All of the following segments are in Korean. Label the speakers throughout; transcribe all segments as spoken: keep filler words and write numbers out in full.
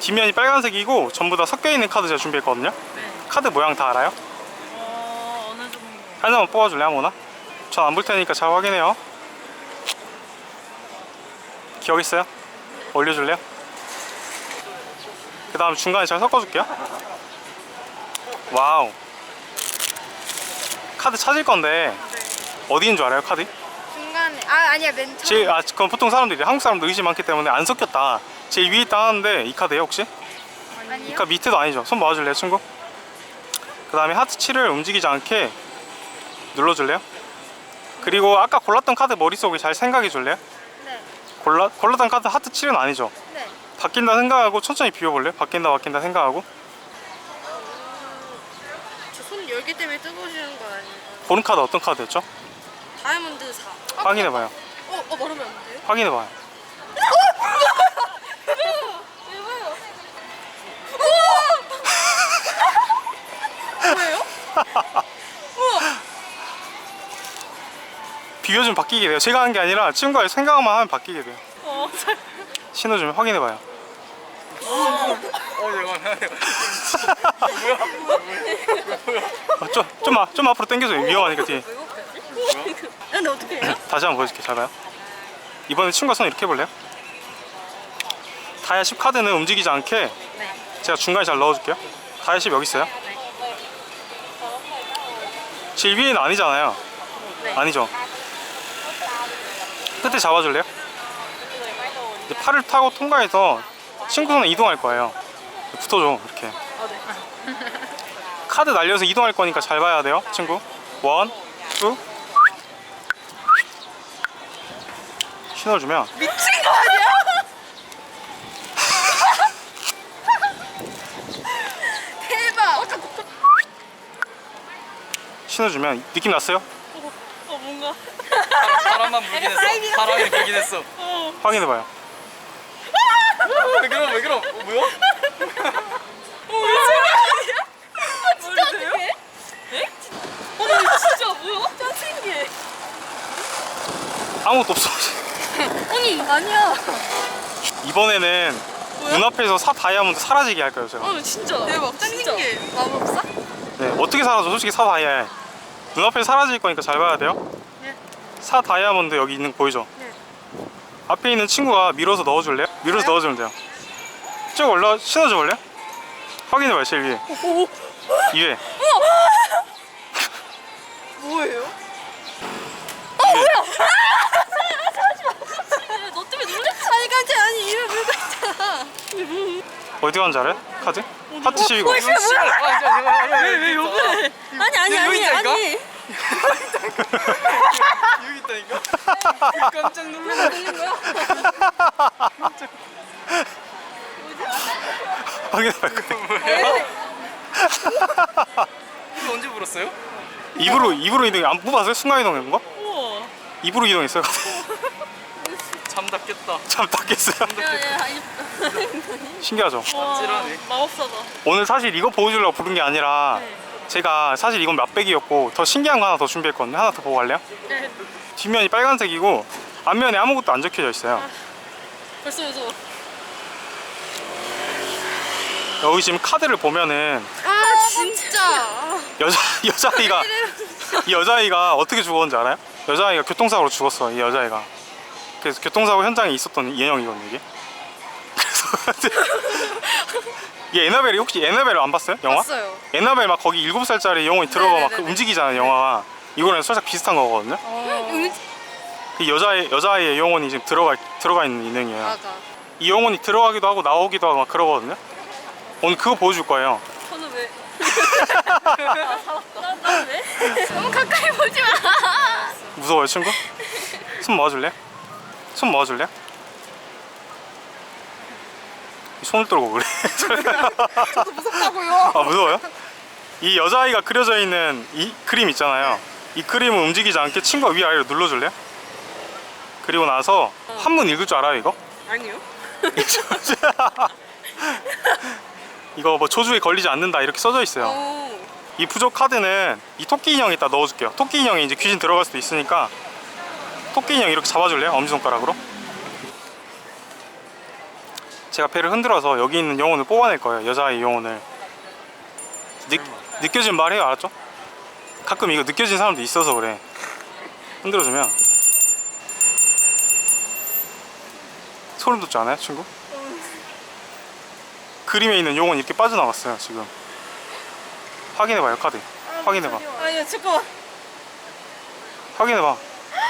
Speaker 1: 뒷면이 빨간색이고 전부 다 섞여있는 카드 제가 준비했거든요.
Speaker 2: 네.
Speaker 1: 카드 모양 다 알아요?
Speaker 2: 어, 어느 정도.
Speaker 1: 하나만 뽑아줄래 아무나? 전 안 볼 테니까 잘 확인해요. 기억 있어요? 올려줄래요? 그 다음 중간에 잘 섞어줄게요. 와우. 카드 찾을 건데 어디인 줄 알아요 카드?
Speaker 3: 중간에 아 아니야 맨 처음.
Speaker 1: 제일 아 그건 보통 사람들이 한국 사람들 의심이 많기 때문에 안 섞였다. 제일 위에 있다 하는데 이 카드예요 혹시? 이
Speaker 3: 아니요.
Speaker 1: 카드 밑에도 아니죠. 손 모아줄래요 친구? 그 다음에 하트 칠을 움직이지 않게 눌러줄래요? 그리고 아까 골랐던 카드 머릿속에 잘 생각해 줄래요?
Speaker 3: 네.
Speaker 1: 골라, 골랐던 카드 하트 칠은 아니죠.
Speaker 3: 네.
Speaker 1: 바뀐다 생각하고 천천히 비워볼래요? 바뀐다 바뀐다 생각하고.
Speaker 3: 저 손 열기 때문에 뜨거우시는 거 아니에요?
Speaker 1: 고른 카드 어떤 카드였죠?
Speaker 3: 다이아몬드 사.
Speaker 1: 확인해봐요.
Speaker 3: 어, 어 말하면 안 돼요?
Speaker 1: 확인해봐요.
Speaker 3: 뭐예요?
Speaker 1: 비워주면 바뀌게 돼요. 제가 한 게 아니라 친구가 생각만 하면 바뀌게 돼요.
Speaker 2: 어, 잘.
Speaker 1: 신호 좀 확인해봐요.
Speaker 4: 어 잠깐만.
Speaker 1: 어, 좀, 좀, 앞- 좀 앞으로 당겨줘요. 위험하니까 뒤에.
Speaker 3: 근데 어떻게 해요?
Speaker 1: 다시 한번 보여줄게. 잘 봐요. 이번에 친구가 손 이렇게 해볼래요? 다이아 십 카드는 움직이지 않게
Speaker 3: 네.
Speaker 1: 제가 중간에 잘 넣어줄게요. 다이아 십 여기 있어요. 제일 위에는 아니잖아요.
Speaker 3: 네.
Speaker 1: 아니죠. 끝에 잡아줄래요? 이제 팔을 타고 통과해서 친구 손에 이동할 거예요. 붙어줘 이렇게.
Speaker 3: 어, 네.
Speaker 1: 카드 날려서 이동할 거니까 잘 봐야 돼요 친구. 원, 투. 신호를 주면
Speaker 3: 미친 거 아니야? 대박.
Speaker 1: 신호 주면 느낌 났어요?
Speaker 2: 어, 뭔가.
Speaker 4: 바람만 불긴 했어. 바람이 불긴 했어.
Speaker 1: 확인해봐요.
Speaker 4: 왜 그럼 왜 그럼? 어, 뭐야?
Speaker 3: 진짜 어떡해?
Speaker 2: 어, 진짜 뭐야? 짱 신기해.
Speaker 1: 아무것도 없어.
Speaker 3: 아니 아니야.
Speaker 1: 이번에는 눈앞에서 사 다이아몬드 사라지게 할 거예요 제가.
Speaker 2: 어, 진짜.
Speaker 3: 대박. 짱
Speaker 2: 진짜.
Speaker 3: 신기해. 마법사?
Speaker 1: 네, 어떻게 사라져? 솔직히 사 다이아 눈앞에 사라질 거니까 잘 봐야 돼요.
Speaker 3: 네.
Speaker 1: 사 다이아몬드 여기 있는 거 보이죠?
Speaker 3: 네.
Speaker 1: 앞에 있는 친구가 밀어서 넣어줄래요? 밀어서
Speaker 3: 네.
Speaker 1: 넣어주면 돼요. 쭉 올라 신어줘 볼래요? 확인해봐요 제일 위에. 위에.
Speaker 3: 뭐예요?
Speaker 1: 위에.
Speaker 2: 너 때문에 놀랬어.
Speaker 3: 아니 깜짝 아니 이를 물고 있잖아.
Speaker 1: 어디 간줄 알아요? 카드? 하트 십이고.
Speaker 3: 어, 이게 뭐야?
Speaker 4: 아 진짜 제가
Speaker 2: 왜 욕을 해?
Speaker 3: 아니 아니
Speaker 4: 여기
Speaker 3: 아니
Speaker 4: 있다니까?
Speaker 3: 아니.
Speaker 4: 여기 있다니까? 깜짝 놀랐어.
Speaker 1: 확인해봐요 그때.
Speaker 4: 이거 언제 불었어요?
Speaker 1: 입으로 입으로 이동 안 뽑았어요? 순간 이동한 거?
Speaker 2: 우와.
Speaker 1: 입으로 이동했어요.
Speaker 4: 잠닿겠다.
Speaker 1: 참 닦겠어요.
Speaker 3: 야야
Speaker 1: 신기하죠?
Speaker 2: 와,
Speaker 4: 찌라네.
Speaker 2: 마법사다.
Speaker 1: 오늘 사실 이거 보여주려고 부른 게 아니라
Speaker 2: 네.
Speaker 1: 제가 사실 이건 맛배기였고 더 신기한 거 하나 더 준비했거든요. 하나 더 보고 갈래요?
Speaker 2: 네.
Speaker 1: 뒷면이 빨간색이고 앞면에 아무것도 안 적혀져 있어요.
Speaker 2: 벌써 무서워.
Speaker 1: 여기 지금 카드를 보면은
Speaker 3: 아 진짜.
Speaker 1: 여자 여자아이가 이 여자아이가 어떻게 죽었는지 알아요? 여자아이가 교통사고로 죽었어. 이 여자아이가. 그래서 교통사고 현장에 있었던 인형이거든요 이게. 그래서 이게 에나벨이 혹시 에나벨 안 봤어요? 영화?
Speaker 3: 봤어요.
Speaker 1: 에나벨 막 거기 일곱 살짜리 영혼이 들어가 막 그
Speaker 3: 네네네네.
Speaker 1: 움직이잖아요 영화가. 이거랑 살짝 비슷한 거거든요.
Speaker 3: 음,
Speaker 1: 그 여자의 여자아이의 영혼이 지금 들어가 들어가 있는 인형이에요.
Speaker 3: 맞아.
Speaker 1: 이 영혼이 들어가기도 하고 나오기도 하고 막 그러거든요. 오늘 그거 보여줄 거예요.
Speaker 2: 저는 왜? 아, 살았다. 난, 난 왜?
Speaker 3: 너무 가까이 보지 마.
Speaker 1: 무서워요 친구? 손 모아줄래? 손 모아줄래? 손을 떨고 그래.
Speaker 3: 저도 무섭다고요.
Speaker 1: 아 무서워요? 이 여자아이가 그려져 있는 이 그림 있잖아요. 이 그림을 움직이지 않게 친구가 위아래로 눌러줄래요? 그리고 나서 한문 읽을 줄 알아요 이거?
Speaker 2: 아니요.
Speaker 1: 이거 뭐 조주에 걸리지 않는다 이렇게 써져 있어요.
Speaker 3: 오.
Speaker 1: 이 부족 카드는 이 토끼 인형에다 넣어줄게요. 토끼 인형이 이제 귀신 들어갈 수도 있으니까 토끼 인형 이렇게 잡아줄래요? 엄지손가락으로. 제가 배를 흔들어서 여기 있는 영혼을 뽑아낼 거예요. 여자아이 영혼을. 느, 느껴진 말해요, 알았죠? 가끔 이거 느껴진 사람도 있어서 그래. 흔들어주면 소름 돋지 않아요, 친구? 그림에 있는 용은 이렇게 빠져나갔어요, 지금. 확인해봐요, 카드. 확인해봐.
Speaker 2: 아니야 잠깐만.
Speaker 1: 확인해봐.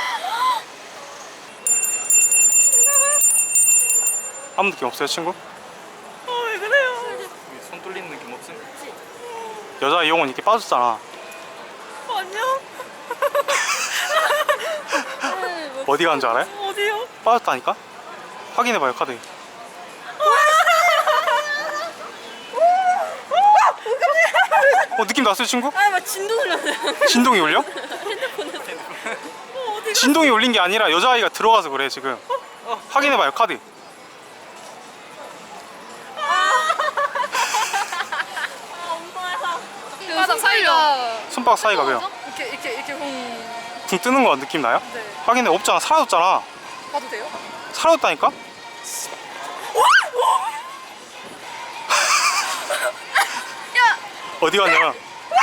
Speaker 1: 아무 느낌 없어요, 친구?
Speaker 2: 어왜 그래요?
Speaker 4: 손 뚫리는 느낌 없음?
Speaker 1: 여자의 용은 이렇게 빠졌잖아.
Speaker 2: 안녕.
Speaker 1: 어디 가는 줄 알아요?
Speaker 2: 어디요?
Speaker 1: 빠졌다니까? 확인해봐요, 카드. 어, 느낌 났어요, 친구?
Speaker 2: 아막 진도 들렸어요.
Speaker 1: 진동이 울려?
Speaker 2: 어, 어디가?
Speaker 1: 진동이 울린 게 아니라 여자아이가 들어가서 그래, 지금. 확인해봐요, 카드.
Speaker 3: 손바닥 사이가
Speaker 1: 손바닥 사이가 왜요?
Speaker 2: 이렇게 이렇게 이렇게 공
Speaker 1: 붕 뜨는 거 느낌 나요?
Speaker 2: 네.
Speaker 1: 확인해, 없잖아. 사라졌잖아.
Speaker 2: 봐도 돼요?
Speaker 1: 사라졌다니까? 어디 갔냐면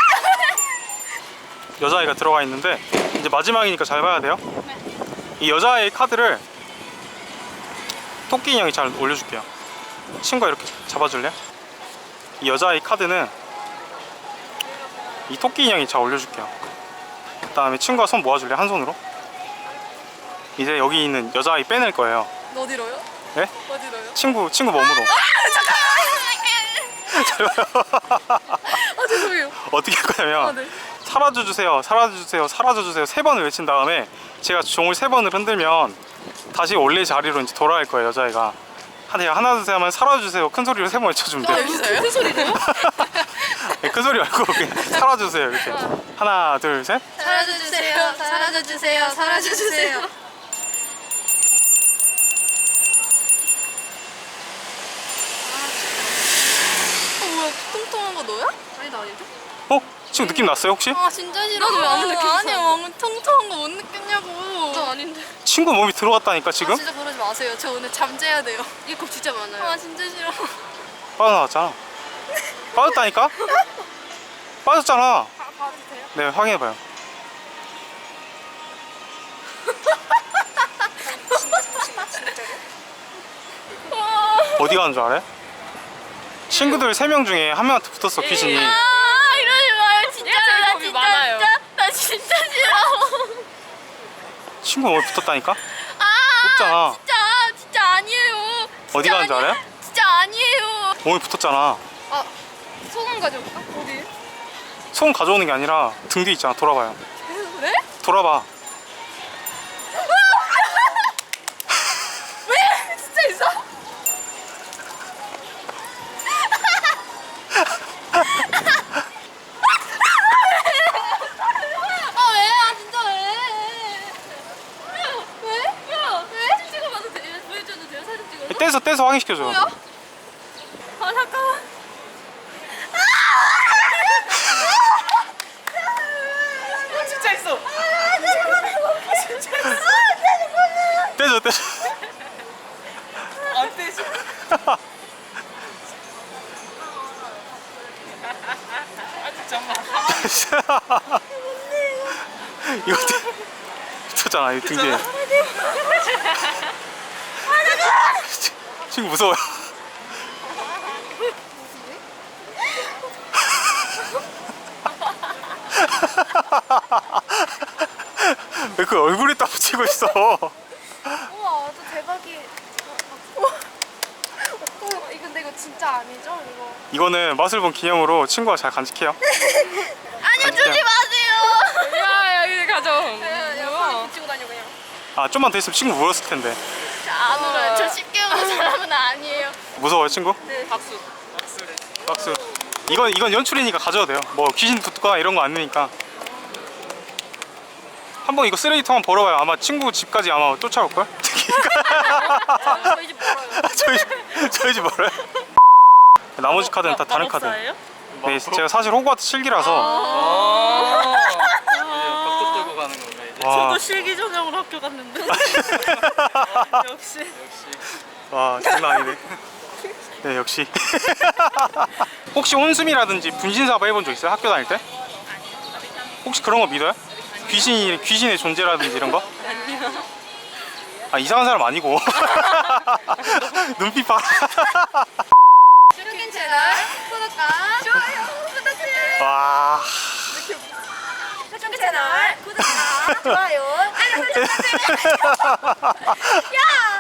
Speaker 1: 여자아이가 들어가 있는데 이제 마지막이니까 잘 봐야 돼요. 이 여자아이 카드를 토끼 인형이 잘 올려줄게요. 친구가 이렇게 잡아줄래? 이 여자아이 카드는 이 토끼 인형이 잘 올려줄게요. 그 다음에 친구가 손 모아줄래? 한 손으로. 이제 여기 있는 여자아이 빼낼 거예요.
Speaker 2: 어디로요?
Speaker 1: 네?
Speaker 2: 어디로요?
Speaker 1: 친구 친구 몸으로.
Speaker 2: 아 죄송해요.
Speaker 1: 어떻게 할 거냐면
Speaker 2: 아, 네.
Speaker 1: 사라져 주세요, 사라져 주세요, 사라져 주세요 세 번을 외친 다음에 제가 종을 세 번을 흔들면 다시 원래 자리로 이제 돌아갈 거예요. 여자애가 한 하나 둘 셋 하면 사라져 주세요 큰 소리로 세 번 외쳐주면 돼요.
Speaker 2: 여기서요? 큰 소리로요?
Speaker 1: 네, 큰 소리 말고 그냥 사라져 주세요 이렇게. 하나 둘 셋.
Speaker 3: 사라져 주세요. 사라져 주세요. 사라져 주세요.
Speaker 2: 어 뭐야 통통한 거 너야? 아니 나 아닌데?
Speaker 1: 어? 지금 느낌 났어요 혹시?
Speaker 3: 아 진짜 싫어.
Speaker 2: 나도 왜안 느꼈어?
Speaker 3: 아니 너무 통통한 거 못 느꼈냐고.
Speaker 2: 나 아닌데.
Speaker 1: 친구 몸이 들어갔다니까 지금?
Speaker 2: 아, 진짜 그러지 마세요. 저 오늘 잠재야 돼요. 이게 겁 진짜 많아요.
Speaker 3: 아 진짜 싫어.
Speaker 1: 빠져나왔잖아. 빠졌다니까? 빠졌잖아.
Speaker 2: 봐, 봐도 돼요?
Speaker 1: 네, 확인해봐요. 어디 가는 줄 알아요? 친구들 세 명 중에 한 명한테 붙었어, 귀신이.
Speaker 2: 예.
Speaker 3: 아 이러지 마요 진짜.
Speaker 2: 제일
Speaker 3: 나
Speaker 2: 겁이
Speaker 3: 진짜
Speaker 2: 많아요.
Speaker 3: 진짜 나 진짜 싫어.
Speaker 1: 친구 몸에 붙었다니까?
Speaker 3: 아
Speaker 1: 없잖아.
Speaker 3: 진짜 진짜 아니에요. 진짜
Speaker 1: 어디 가는 줄
Speaker 3: 아니-
Speaker 1: 알아요?
Speaker 3: 진짜 아니에요.
Speaker 1: 몸에 붙었잖아.
Speaker 2: 아 소금 가져올까? 어디?
Speaker 1: 손 가져오는 게 아니라 등 뒤 있잖아. 돌아봐요.
Speaker 2: 네?
Speaker 1: 돌아봐.
Speaker 2: 왜? 진짜 있어?
Speaker 3: 아 왜? 아 진짜 왜? 왜? 야 왜?
Speaker 2: 사진 찍어봐도 돼요? 보여줘도 돼요? 사진 찍어서?
Speaker 1: 떼서 떼서 확인시켜줘.
Speaker 3: 뭐야? 아 잠깐만.
Speaker 2: 아, 진짜 있어.
Speaker 1: 떼줘 떼줘.
Speaker 2: 안 떼지? 아 잠깐만.
Speaker 1: 이거 떼- 붙었잖아. 이 등 뒤에. 친구 무서워요. 왜 그 얼굴에 딱 붙이고 있어?
Speaker 3: 우와 또 대박이. 어, 어, 이거 근데 이거 진짜 아니죠? 이거.
Speaker 1: 이거는 맛을 본 기념으로 친구가 잘 간직해요.
Speaker 3: 아니요 주지 마세요.
Speaker 2: 야 여기 가져.
Speaker 3: 야 붙이고 다녀 그냥.
Speaker 1: 아 좀만 더 있으면 친구 울었을 텐데.
Speaker 3: 안 울어요. 저 쉽게 우는 사람은 아니에요.
Speaker 1: 무서워요 친구?
Speaker 2: 네. 박수. 박수래.
Speaker 1: 박수. 이건 이건 연출이니까 가져도 돼요. 뭐 귀신 붙거나 이런 거 안 넣으니까. 한번 이거 쓰레기통 한번 벌어봐요. 아마 친구 집까지 아마 쫓아올 걸.
Speaker 2: 저희 집 멀어요.
Speaker 1: 저희 집- 저희 집 멀어요. 나머지 카드는 다 다른 카드.
Speaker 2: 마법사예요?
Speaker 1: 네, 제가 사실 호그와트 실기라서.
Speaker 4: 아. 이제 벚꽃 들고 가는 건가 이제?
Speaker 1: 와,
Speaker 2: 저도 실기 전형으로 학교 갔는데. 역시.
Speaker 4: 역시.
Speaker 1: 와 장난 아니네. 네 역시. 혹시 혼숨이라든지 분신사바 해본 적 있어요? 학교 다닐 때? 혹시 그런 거 믿어요? 귀신이 귀신의 존재라든지 이런 거?
Speaker 2: 아니요.
Speaker 1: 아 이상한 사람 아니고. 눈빛 봐.
Speaker 3: 슈킨 채널 구독과 좋아요 부탁드려요.
Speaker 1: 와.
Speaker 3: 슈킨 채널 구독과 좋아요 알림 설정까지. 야.